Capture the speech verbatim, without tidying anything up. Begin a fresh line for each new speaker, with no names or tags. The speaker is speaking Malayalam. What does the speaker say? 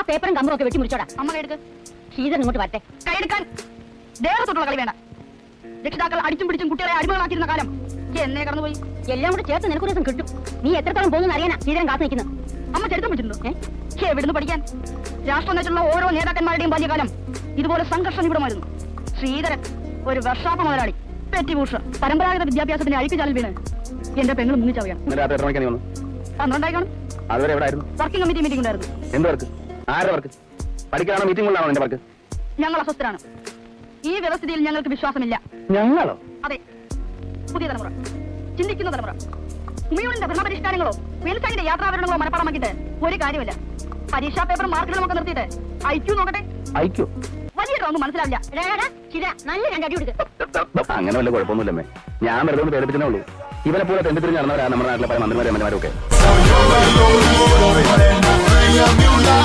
പേപ്പറും കമ്പറും ഒക്കെ വെട്ടി മുറിച്ചോടാ.
അമ്മ കൈയെടുക്ക്.
ശ്രീധരൻ ഇങ്ങോട്ട് വരട്ടെ.
കൈയെടുക്കാൻ. ദേഹത്തോട്ടുള്ള കളി വേണ്ട. രക്ഷിതാക്കൾ അടിച്ചും പിടിച്ചും കുട്ടികളെ അടിമകളാക്കിയിരുന്ന കാലം എന്നേ കടന്നുപോയി.
എല്ലാം കൂടെ ചേർത്ത് നിനക്കൊരു ദിവസം കിട്ടും. നീ എത്രത്തോളം പോകുന്നു അറിയാനാ ശ്രീധരൻ കാത്തു നിൽക്കുന്നു.
അമ്മ ചരിത്രം വെച്ചിട്ടുണ്ടോ? എവിടുന്ന് പഠിക്കാൻ? രാഷ്ട്രം വെച്ചുള്ള ഓരോ നേതാക്കന്മാരുടെയും ബാല്യകാലം ഇതുപോലെ സംഘർഷ നിബിഡമായിരുന്നു. ശ്രീധരൻ ഒരു വർഷാപ്പ മുതലാളി, പെറ്റിഭൂഷ, പരമ്പരാഗത വിദ്യാഭ്യാസത്തിന്റെ അഴിക്കുചാലിൽ വീണ് എന്റെ പെങ്ങൾ മുങ്ങിച്ചാവുകയാണ്. പന്ത്രണ്ടായിക്കാണ്. വർക്കിംഗ് കമ്മിറ്റി മീറ്റിംഗ് ഉണ്ടായിരുന്നു. ഞങ്ങൾ അസ്വസ്ഥരാണ്. ഈ വ്യവസ്ഥിതിയിൽ ഞങ്ങൾക്ക് വിശ്വാസമില്ല.
ഞങ്ങളോ?
അതെ, പുതിയ തലമുറ, ചിന്തിക്കുന്ന തലമുറ. ഉമയൂണിന്റെ ഭരണപരിഷ്കാരങ്ങളോ വെൽസാങ്ങിന്റെ യാത്രാവരണങ്ങളോ മനപ്പാടമാക്കിയിട്ട് ഒരു കാര്യമില്ല. പരീക്ഷാ പേപ്പർ മാർക്കുകളും ഒക്കെ നിർത്തിയിട്ട് ഐക്യു നോക്കട്ടെ.
ഐക്യു
വലിയ ഒന്നും മനസ്സിലാവില്ല.
നല്ല രണ്ടടി കൊടുക്കുക.
അങ്ങനെ വല്ല കുഴപ്പമൊന്നുമില്ലമ്മേ. ഞാൻ വെറുതെ ഒന്ന് പേടിപ്പിച്ചേ ഉള്ളൂ. ഇവരെ പോലെ തെണ്ടിത്തിരിഞ്ഞ് നടന്നവരാണ് നമ്മുടെ നാട്ടിലെ പല മന്ത്രിമാരും എം എൽ എമാരും ഒക്കെ.